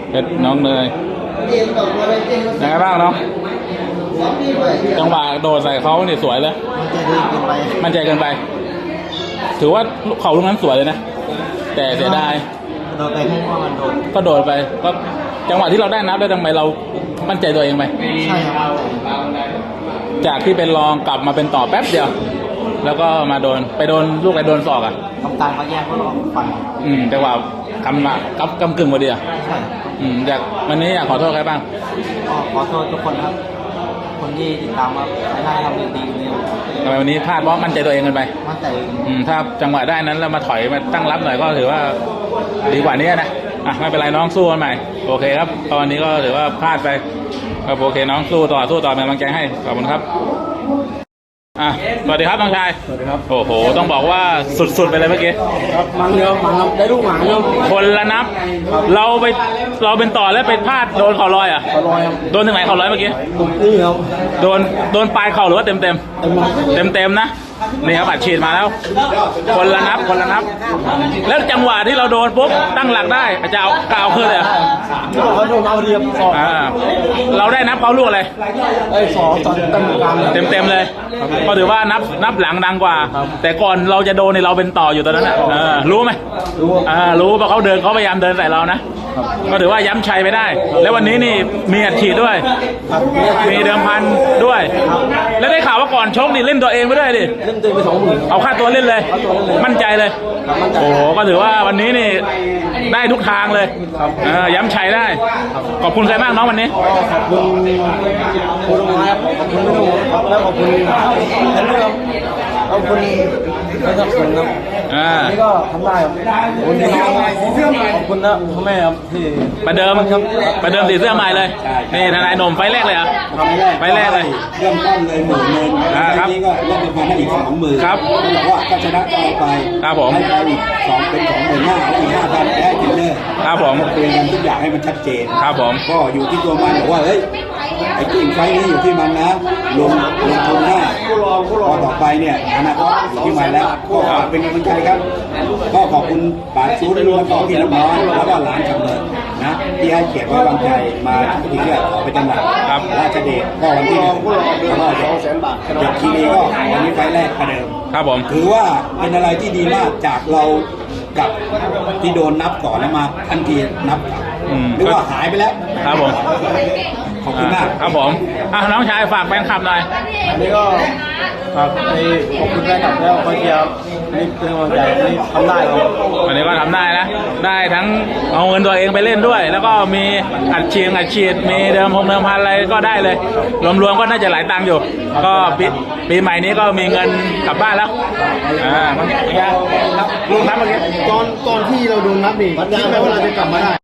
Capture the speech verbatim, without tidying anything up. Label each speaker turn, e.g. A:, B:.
A: เพชรน้องเนยยังไงบ้างน้องจังหวะโดดใส่เขาเนี่ยสวยเลยมันใจเกินไปถือว่าเขาลูกนั้นสวยเลยนะแต่เสียดาย
B: โดนไปให้ว่ามันโดน
A: ก็โดดไปก็จังหวะที่เราได้นับได้ทำไมเรามั่นใจตัวเองไหม
B: ใช่ครับ
A: จากที่เป็นรองกลับมาเป็นต่อแป๊บเดียวแล้วก็มาโดนไปโดนลูกไปโดนศอกอ่ะ
B: ทำการมาแยกก็ลองฟัน
A: อืมจังหวะกำมากำกำกึ่งพอดีอ่ะ
B: ใช่
A: อืมอยากวันนี้อยากขอโทษใครบ้าง
B: ก็ขอโทษทุกคนครับคนที่ติดตามมาไม่ได้ทำดีดีเลย
A: ทำไมวันนี้พลาดเพราะมั่นใจตัวเองกันไป
B: มั่นใจ
A: อืมถ้าจังหวะได้นั้นแล้วมาถอยมาตั้งรับหน่อยก็ถือว่าดีกว่านี้นะอ่ะไม่เป็นไรน้องสู้กันใหม่โอเคครับตอนนี้ก็ถือว่าพลาดไปครับโอเคน้องสู้ต่อสู้ต่อเป็นกำลังใจให้ขอบคุณครับอ่ะสวัสดีครับน้องชาย
B: สวัสดีครับ
A: โอ้โหต้องบอกว่าสุดๆไปเลยเมื่อกี้
B: ครับมันเดียวมันครับได้ลูกหมาเดียว
A: คนละนับเราไปเราเป็นต่อแล้วไปพลาดโดนเข่าลอยอ่ะ
B: เข่าลอยครับ
A: โดนถึงไหนเข่าลอยเมื่อกี้
B: นี่ครับ
A: โดนโดนปลายเข่าหรือว่าเต็มเต็มเต็มเต็มนะนี่ครับอัดฉีดมาแล้วคนละนับคนละนับแล้วจังหวะที่เราโดนปุ๊บตั้งหลักได้จะเอากาวขึ้นเลย
B: ที่บอกว่าโดนเอาเรียบสอง
A: เราได้นับเขาลูกอะไร
B: ไอ้สองตอนเต็มกลาง
A: เต็มเต็มเลยก็ถือว่านับนับหลังดังกว่าแต่ก่อนเราจะโดนในเราเป็นต่ออยู่ตอนนั้นอ่ะรู้ไหม
B: รู้
A: อ่ารู้เพราะเขาเดินเขาพยายามเดินใส่เรานะก็ถือว่าย้ำชัยไปได้แล้ววันนี้นี่มีอัดฉีดด้วยมีเดิมพันด้วยแล้วได้ข่าวว่าก่อนชกนี่เล่นตัวเองไปด้วยดิ
B: เล่นตัวไปสองหมื่น
A: เอาค่าตัวเล่นเลยมั่นใจเลยโอ้โหก็ถือว่าวันนี้นี่ได้ทุกทางเลยย้ำชัยได้ขอบคุณใครบ้างน้องวันนี้
B: ขอบคุณคุณลุงครับขอบคุณพี่หนุ่มครับแล้วขอบคุณแทนด้วยครับขอบคุณไม่ต้องสนครับนี่ก็ทำได้ครับขอบคุณน้องขอบคุณนะพ่อแม่ครับที่
A: ประเดิมครับประเดิมสีเสื้อใหม่เลยนี่ทนายหนุ่มไฟแรกเลยอ่ะไฟแรกเลย
C: เริ่มต้นเลยหมื่นเงินครับนี้ก็เล่นเป็นพันได้อีกสองหมื่น
A: ครับ
C: บอกว่าก็ชนะก็เอาไป
A: ครับผม
C: ให้ไปอีกสองเป็นสองหมื่นห้าแล้วอีกห้าพันแพ้กินเนอร์
A: ครับผม
C: คุยกันทุกอย่างให้มันชัดเจน
A: ครับผม
C: ก็อยู่ที่ตัวมันบอกว่าเฮ้ยไอ้กิ่งไฟนี้อยู่ที่มันนะลงลงทุนหน้าพอต่อไปเนี่ยอนาคตอยู่ที่มันแล้วก็เป็นกำลังใจครับก็ขอบคุณป๋าชู้แล้วก็พี่น้องแล้วก็หลานจำเนินนะที่ให้เกียรติไว้วางใจมาที่เชื่อขอไปจังหวัดครับราชเดชก็วันที่หนึ่งแล้วก็สองแสนบาทเด็กทีนี้ก็วันนี้ไฟแรกประเดิม
A: ครับผม
C: ถือว่าเป็นอะไรที่ดีมากจากเรากับที่โดนนับก่อนแล้วมาทันทีนับหรือว่าหายไปแล้ว
A: ครับผม
C: ขอบคุณมาก
A: ครับผมอ่ะน้องชายฝากแฟนคลับหน่อย
B: อันนี้ก็ฝากในขอบคุณแฟนคลับแล้วก็เชียร์นี่เป็นกำลังใจนี่ทำได้ครับ
A: วันนี้ก็ทำได้นะได้ทั้งเอาเงินตัวเองไปเล่นด้วยแล้วก็มีอัดฉีดอัดฉีดมีเดิมพงเดิมพันอะไรก็ได้เลยรวมๆก็น่าจะหลายตังค์อยู่ก็ปีปีใหม่นี้ก็มีเงินกลับบ้านแล้วอ่ามันยังลูกนับเมื่อกี้
B: ตอนตอนที่เราโดนนับนี่คิดไหมว่าเราจะกลับมาได้